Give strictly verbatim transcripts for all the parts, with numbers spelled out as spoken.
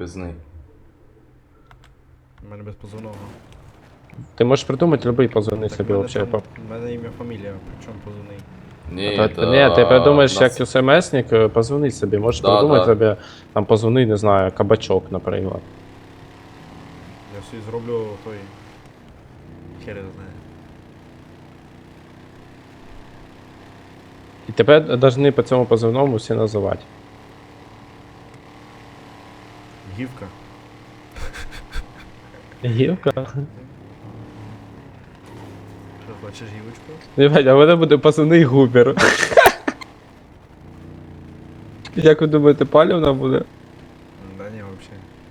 позивний. У мене без позивного. Ти можеш придумати любий позивний Так, собі в мене взагалі. там- в мене ім'я, фамілія, причому позивний. Ні, Та, та... ні, ти придумаєш, нас- як смс-ник, позвони собі. Можеш Да, придумати да. собі, там позвони, не знаю, кабачок, наприклад. Я собі зроблю той... Хер його знає. І тебе повинні по цьому позивному всі називати. Гівка. Гівка? Що, хочеш гівочку? Ребят, а в мене буде позивний Губер. Як ви думаєте, палівна буде? Да не, вообще.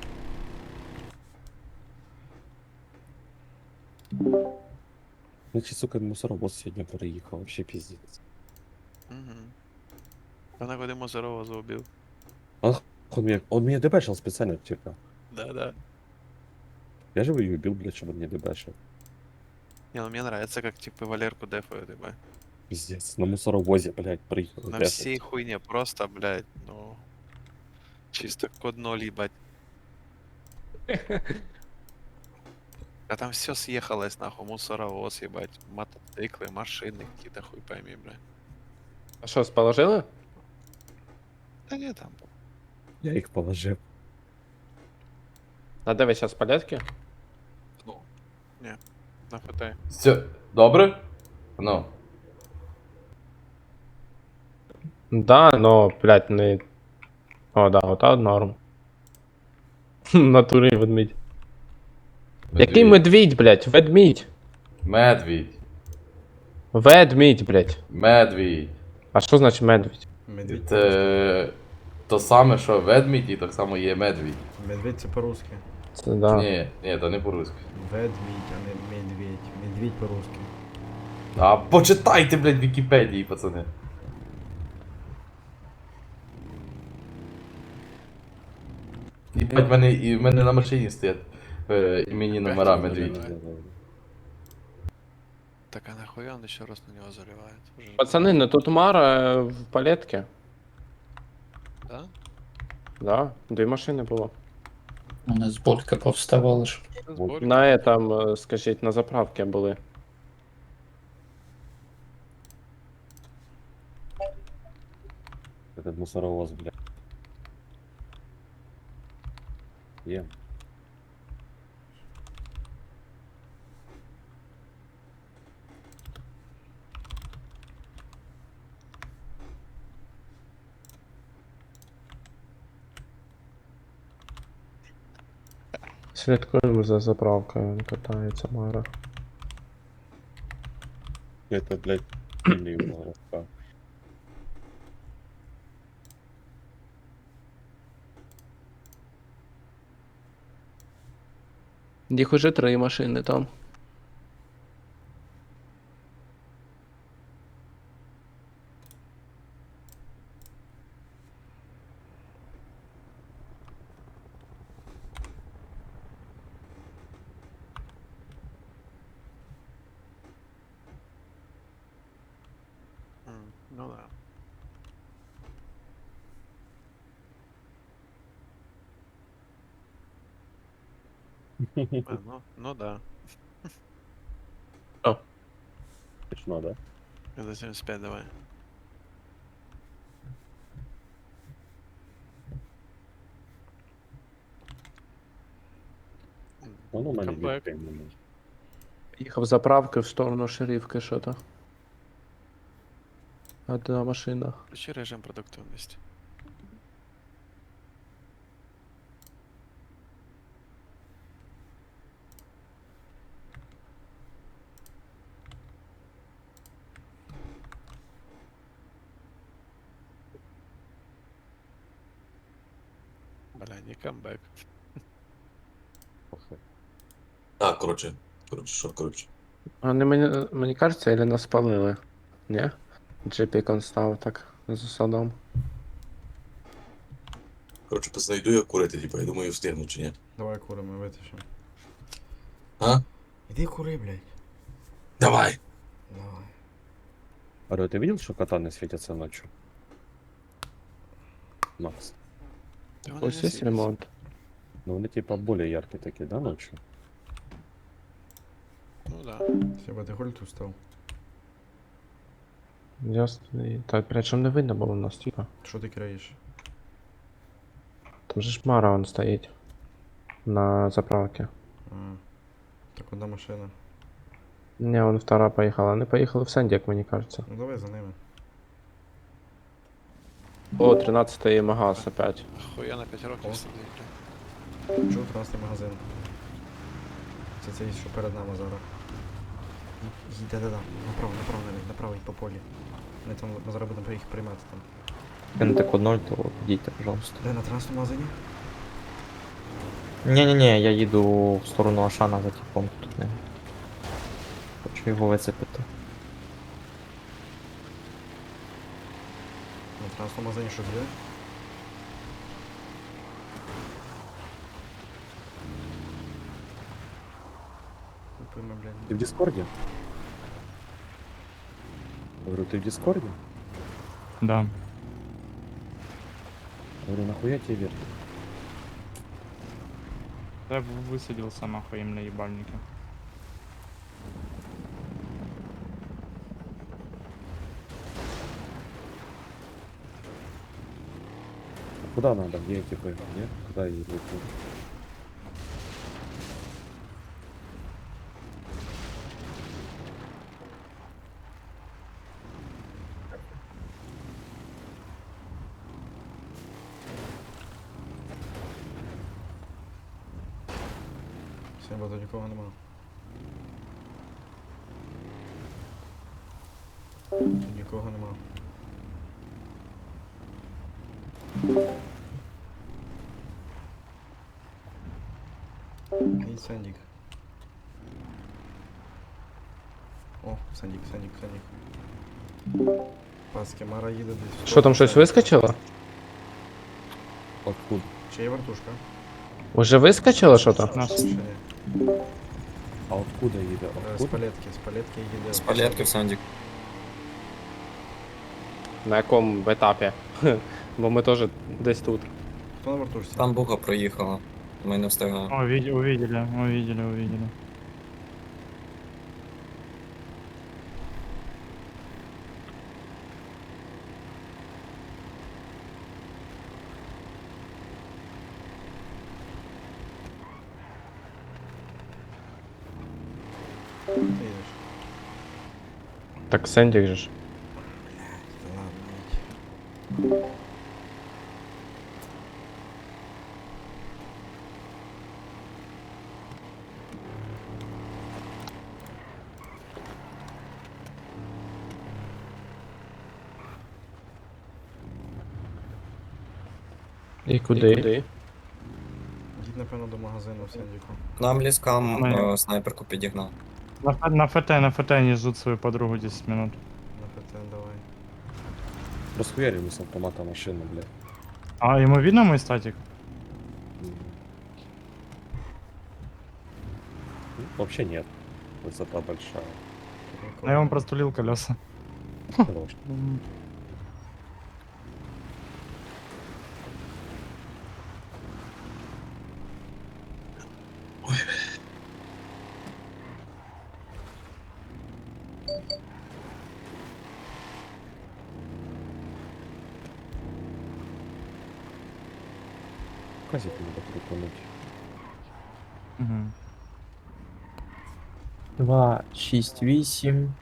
Ну чи, сука, мусоровоз сьогодні переїхав, вообще піздець. Угу. Вона куди Мозорова заубив. Он меня, он меня дебешил специально, типа. Да-да. Я же его убил, блядь, чтобы он меня дебешил. Не, ну мне нравится, как типа Валерку дефают, типа. Пиздец, на мусоровозе, блядь, проехал. На дефать. всей хуйне просто, блядь, ну... Чисто код ноль, ебать. А там все съехалось, нахуй, мусоровоз, ебать, мотоциклы, машины, какие-то хуй пойми, блядь. А що, сположили? Да не там. Я их положил. А де ви зараз порядки? На хватай. Все, добре? Ну. Да, но, блядь, не... О, да, ота норм. В натурі ведмідь. Який медвідь, блядь? Ведмідь. Медвідь. Ведмідь, блядь. Медвідь. А що значить медвідь? Медведь. Це то саме, що ведмідь, і так само є медвідь. Медведь це по-русски. Це да. Ні, ні, то не по-русски. Ведмідь, а не медведь. Медведь по-русски. А почитайте, блядь, в Вікіпедії, пацани. І блядь, в мене, і в мене на машині стоять е, імені номера медвідь. Так а нахуя он еще раз на него заливает? Уже- Пацани, ну тут Мара в палетці. Да? Да, дві машини було. У нас булька повставала ж. Сборки? На этом, е, скажіть, на заправці були. Этот мусоровоз, блядь. Ем. Слідкуємо за заправкою, катається Мара. Это, блядь, сильный уголовка. Їх уже три машини там. М, Ну да. А, ну, ну да. Точно, да? Это семьдесят пять давай. М, Он у мене Камбэк. відпрямлений. Їхав заправки в сторону шерифки що-то. Одна машина. Включи режим продуктивности. Бля, не камбэк. Похуй. Так, коротше, коротше, що, коротше. А не мені, мені кажеться, или нас спалили? Ні? Джипікон став так за садом. Коротше, пацани, йду я курити, типу, я думаю, встигну чи ні. Давай куримо, витащим. А? Іди кури, блядь. Давай! Давай. Аро, ты видел, что кота не светятся ночью? Макс. Да он и не Ось є светится. ремонт. Ну вони типа более яркі такі, да, ночью? Ну да. Сіба, ти холь тут став? Ясно. І- Та причому не видно було у нас, типа. Що ти краєш? Там же ж Мара он стоїть. На заправці. А, так одна машина. Не, он втора поїхала. Вони поїхали в Сендік, мені кажеться. Ну давай за ними. О, тринадцятий магаз опять. Хуя на п'ять років О. сидить, бля. Чув тринадцятий магазин. Це цей, що перед нами зараз. Ї- Їдь, да-да-да. Направо, направо, навіть, направо, їдь по полі. Ми там, ми зараз будемо їх приймати там. Кинете код ноль, то підійте, пожалуйста. Де на тринадцятому магазині? Ні-ні-ні, я їду в сторону Ашана за типом тут не. Хочу його вицепити. На тринадцятому магазині щось є? Купимо, Ти блядь. в Дискорді? Говорю, ти в Дискорді? Да. Говорю, нахуя тебе вертик? Я бы высадился нахуй им на ебальнике. Куда надо? Где эти были? Нет? Куда я иду? Сіба, тут нікого нема. Тут нікого нема. І Сандік. О, Сандік, Сандік, Сандік. Паски, Мара їде десь. Що там щось вискочило? Откуда? Чи є вертушка? Уже вискочило що то? Нас. Ще ні. А откуда їде? Е, З Откуда? палетки, з палетки їде. З палетки в Сандік. На якому етапі? Бо ми теж десь тут. Хто на вертушці? Там буга проїхала. Ми не встигаємо. О, види- увидели, увидели, увидели. Ти їдеш. Так Сендік же ж. Та ладно, їдь. І куди? І куди? Їдь, напевно, до магазину в Сандіку. Нам ліскам Ми- е, снайперку підігнав. На, Ф- на ФТ, на ФТ они ждут свою подругу десять минут. На ПТ давай. Расхуярили с автомата машину, блядь. А ему видно мой статик? М. Ну, вообще нет. Высота большая. Тут нікого А я вам нема. простулил колеса. Хорош. Казик надо приконуть. Угу. два, шість, вісім.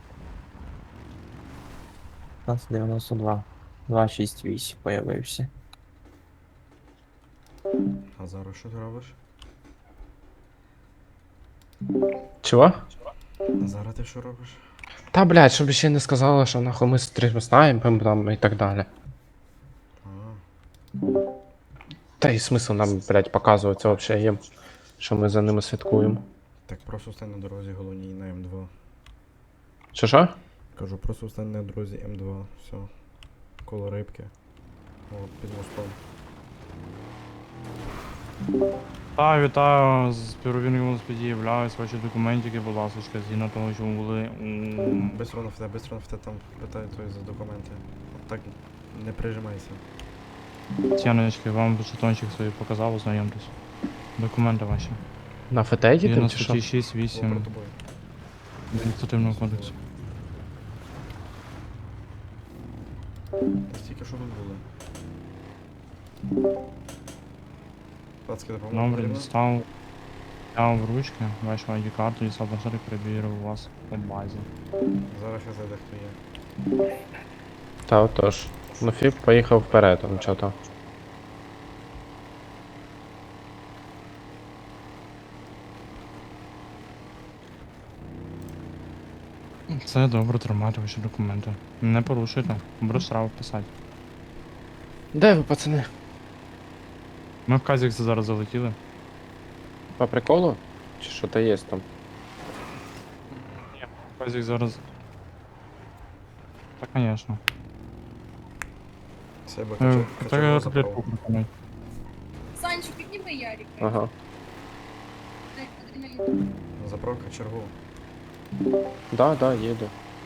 п'ятнадцять дев'яносто два. два, шість, вісім появився. А зараз що ти робиш? Чого? А зараз ти що робиш? Та блядь, щоб ще не сказали, що нахуй ми стрім знаємо там і так далі. А, Та й смисл нам, блядь, показувати вообще їм, що ми за ними слідкуємо. так просто стань на дорозі головній на М два. Що що? Кажу, просто стань на дорозі М два. Все. Коло рибки. От, під мостом. Та, вітаю, з первинним велосипеді являюсь, ваші документики, будь ласка, згідно того, що ви були у... Бистро на ФТ, бистро на ФТ там питають твої за документи. От так не прижимайся. Тяночки, вам жетончик свій показав, ознайомтесь. Документи ваші. На ФТ їдемо Згідно чи що? статті шість Було вісім перед тобою. адміністративного кодексу. Стільки що тут були. Пацки, допомогу Добре, потрібно? дістав. Взяв в ручки, вашу ай ді-карту, дістав планшет і перевірив вас по базі. Зараз я зайде хто є. Та отож. Ну Фіп поїхав вперед, там чого-то. Це добре, тримайте ваші документи. Не порушуйте, буду штраф писати. Де ви, пацани? Ми в Казікс зараз залетіли. По приколу? Чи що то є там? Ні, в Казікс зараз. Та, звісно. Себе Е, кача- Та качаргу я забрав. таблетку припинять. Санчик, підніми Ярика. Ага. Дай адреналін. Забрав кочергу. Да, да, їду.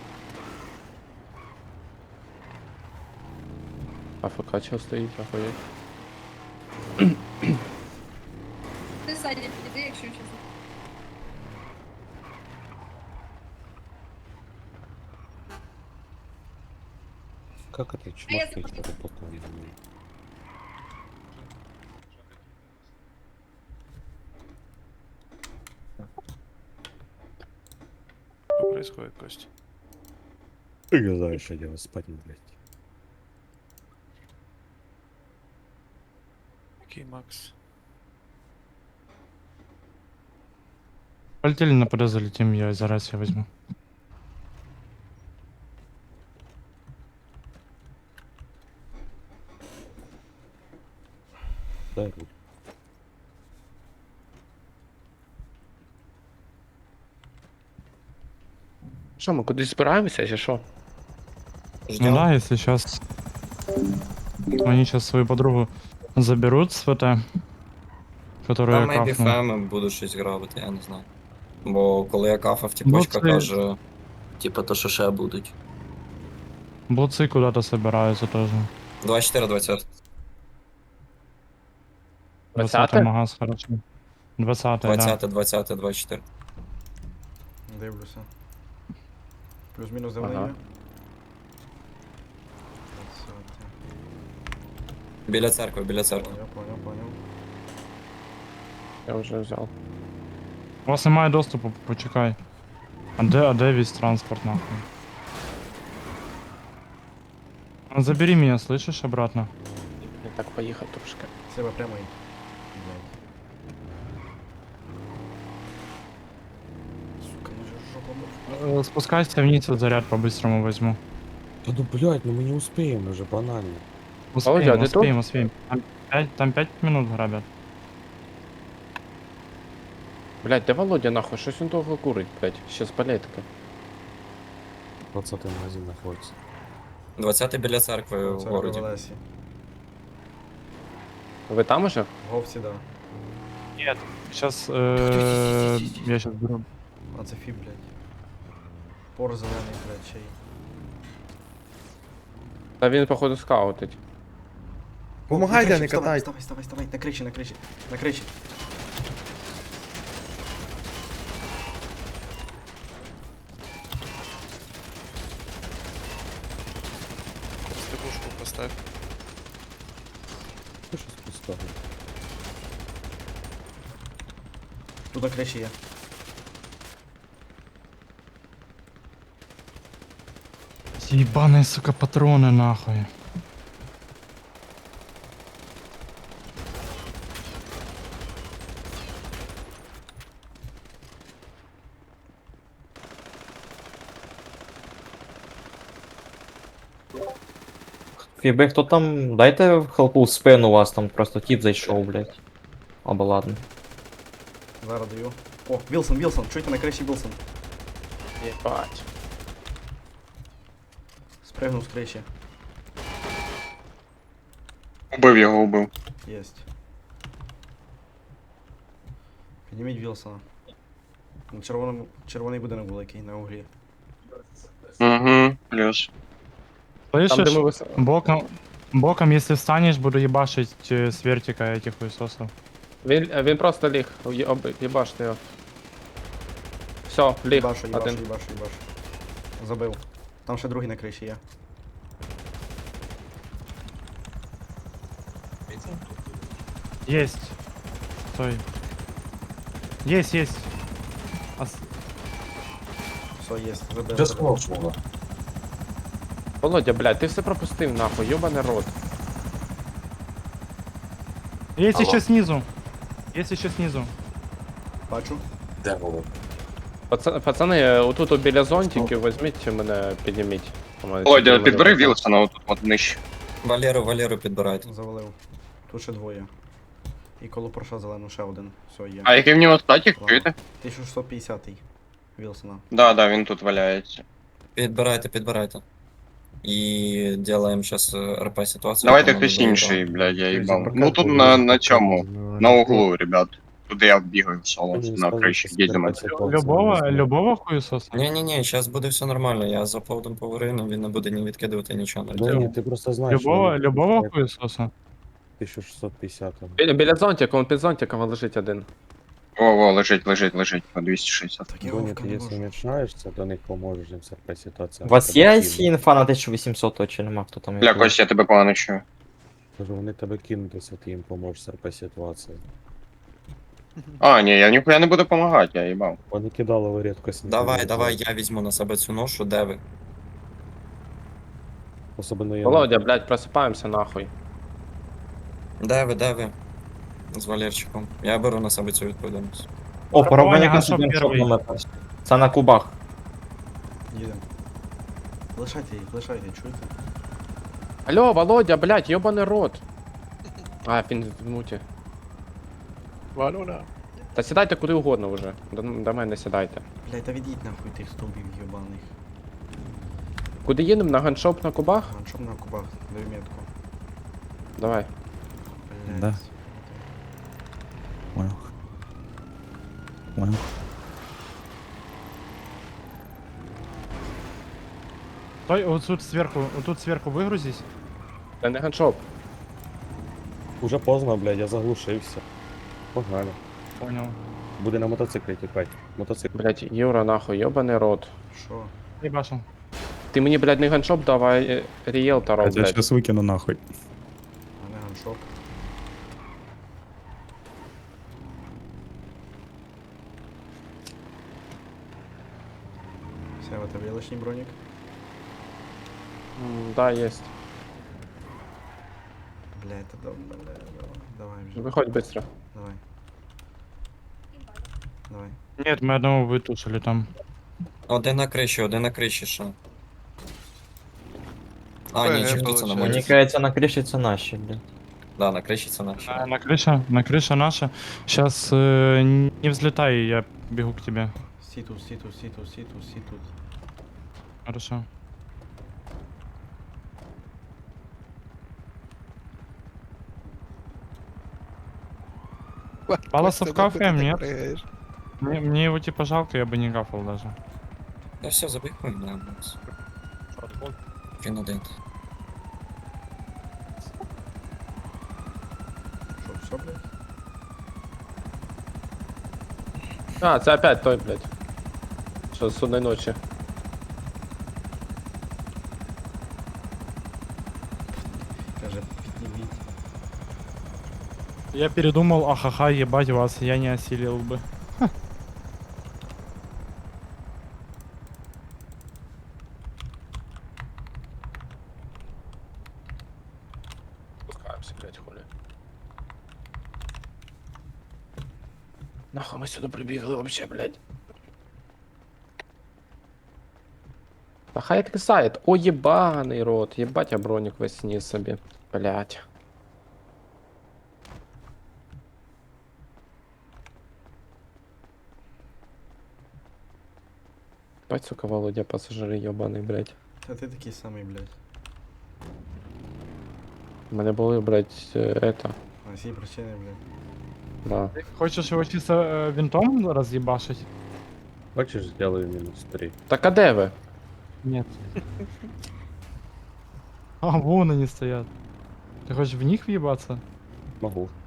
АФК чого стоїть, охуєть. Ти ззаді підійди, якщо чесно. Как это А я чувак заходила. работал? я не знаю. Что происходит, Костя? Ты не знаешь, что делать, спать не блядь. Окей, Макс. Полетели на ПД залетим, я зараз я возьму. Дай руку. Що, ми кудись збираємося, чи що? Ну Ждем. да, если сейчас они сейчас свою подругу заберут с ФТ, которую Там я мейбі кафнул. феми будуть щось грабити, я не знаю. Бо коли я кафав, тіпочка Ну, це- каже, типа то, що ще будуть. Блудцы куда-то собираются тоже. двадцять чотири двадцять. двадцатый магаз, хорошо. двадцатый, да. двадцять, двадцять, двадцять чотири. Дивлюся. Плюс-мінус де Ага. вони є? Біля церкви, біля церкви. Поняв, поняв, поняв. Я вже взяв. У вас немає доступу, почекай. А де, а де весь транспорт, нахуй? А забери меня, слышишь, обратно? Не так поїхав трошки. Себе прямо йдь. Блядь. Сука, ну же жопа мов. Э, Спускайся вниз, вот заряд по-быстрому возьму. Да ну блядь, ну мы не успеем уже, банально. Успеем, Володя, а ты успеем, успеем. Там пять, там пять минут грабят. Блять, де Володя нахуй? Щось він довго курить, блять. Ще з палетки. двадцатый магазин находится. двадцять біля церкви в Церква городі. в Одесі. Ви там уже? В Говці, да. Нет, сейчас э, я сейчас беру. А це фіб, блядь. Пор зелений, блядь, чей. Та він, походу, скаутить. Помагайте, не катайте. Вставай, вставай, вставай, на кричі, на кричі, на кричі. Стыгушку поставь. Что сейчас поставлю? Тут на кричі є. Ебаные, сука, патроны, нахуй. Фіби, хто там? Дайте хелпу в спину, у вас там просто тіп зайшов, блядь. Або ладно. Зараз даю. О, Вілсон, Вілсон, чуєте на кричі Вілсон. Єбать. Спригнув з кричі. Убив його, убив. Єсть. Підніміть Вілсона. На червоному, червоний будинок великий, на углі. Угу, плюс. Там, де Слышишь? ми вис... Боком, боком, если встанешь, буду ебашить э, с вертика этих хуесосов. Він, він просто ліг. Є- об- Їбаште його. Все, ліг. Їбашу, їбашу, Один. їбашу, їбашу. Забив. Там ще другий на криші є. Есть. Стой. Есть, есть. Ос- Все, є, забив. Вже забив. сховав свого. Володя, блядь, ти все пропустив нахуй, йобаний рот. Есть Алло. еще снизу. Есть еще снизу. Бачу. Де було? Паца- Пацани, отут от біля зонтиків візьміть мене, підніміть. Володя, Мене підбери просто- Вілсона отут от нижче. Валеру, Валеру підбирайте. Завалив. Тут ще двоє. І коло Порша зелену ще один. Все, є. А який в нього статік, Ладно. чуєте? тисяча шістсот п'ятдесят Вілсона. Да, да, він тут валяється. Підбирайте, підбирайте. І делаємо зараз РП ситуацію. Давайте яку ми хтось доїбали. інший, блядь, я їбав. Прокат Ну тут був, на, прокат на цьому, був. на углу, ребят. Туди я бігаю в соло, Мені на сказали, криші що їдемо. спереду ситуація Любого, не знаю. любого хуесоса? Ні-ні-ні, зараз буде все нормально. Я за поводом поверину, він не буде ні відкидувати, нічого не Да робити. ні, ти просто знаєш, Любого, що любого вони хуесоса? тисяча шістсот п'ятдесят. там. Біля, біля зонтика, он під зонтиком лежить один. Во, во, лежить, лежить, лежить, по двісті шістдесят. Так я Доня, вовка ти не якщо можу. починаєшся, до них поможеш їм все по ситуації. У вас є сі інфа на тисячу вісімсот, чи нема хто там? Бля, Костя, я тебе погано чую. Кажу, вони тебе кинутися, ти їм поможеш по ситуації. А, ні, я ніхуя не буду допомагати, я їбав. Вони кидали в рідкость. Давай, давай, я візьму на себе цю ношу, де ви? Особливо я. Володя, блядь, просипаємося нахуй. Де ви, де ви? З Валерчиком. Я беру на себе цю відповідальність. О, порубання Ганшоп консультант перший. номер перший. Це на кубах. Їдемо. Лишайте їх, лишайте, чуєте? Алло, Володя, блядь, йобаний рот. А, він в муті. Валюна. Та сідайте куди угодно вже. До, до мене сідайте. Блядь, та відійдь нахуй тих стовбів йобаних. Куди їдемо? На ганшоп на кубах? Ганшоп на кубах, даю метку. Давай. Блядь. Да. Понял. Понял. Стой, вот тут сверху, вот тут сверху выгрузись. Це не ганшоп. Уже поздно, блядь, я заглушився. Погнали. Понял. Буде на мотоциклі тікати. Мотоцикл. Блядь, Юра, нахуй, йобаний рот. Що? Ебашил. Ти мені, блядь, не ганшоп давай е, ріелтора, Я блядь. сейчас выкину нахуй. А не ганшоп. Все, в тебе є лишній бронік? М, Да, есть. Блядь, та дом, бля, давай, давай вже. Виходь быстро. Давай, давай. Нет, мы одного вытушили там. Один на криші, один на криші ще. А, ні, ПГ чи хто це на получається. моді? Мені кажеться, на криші це наші, блядь. Да, на криші це наші. На, на крыша, на крыша наша. Сейчас э, не взлетай, я бегу к тебе. Сі тут, сі тут, сі тут, сі тут, сі тут. Хорошо. Паласов кафе, нет? Мне, мне его типа жалко, я бы не кафал даже. Я все, забіг хуй, бля, Він один. Що, все, блядь? А, це опять той, блядь. Що з судної ночі. Каже, підніміть. Я передумал, ахаха, ебать вас, я не осилил бы. Спускаємося, блядь, хули. Нахуй ми сюди прибігли вообще, блядь. Та хай відкисає. О, єбаний рот. Єбать, я бронік весь сніс собі. Блядь. Бать, сука, Володя, пасажири єбаний, блядь. Та ти такий самий, блядь. У мене були, блядь, е, это. А всі причини, блядь. Да. Хочешь его чисто э, винтом разъебашить? Бачиш, зробили мінус три. Так а де ви? Нет. А, вон они стоят. Ты хочешь в них въебаться? Могу.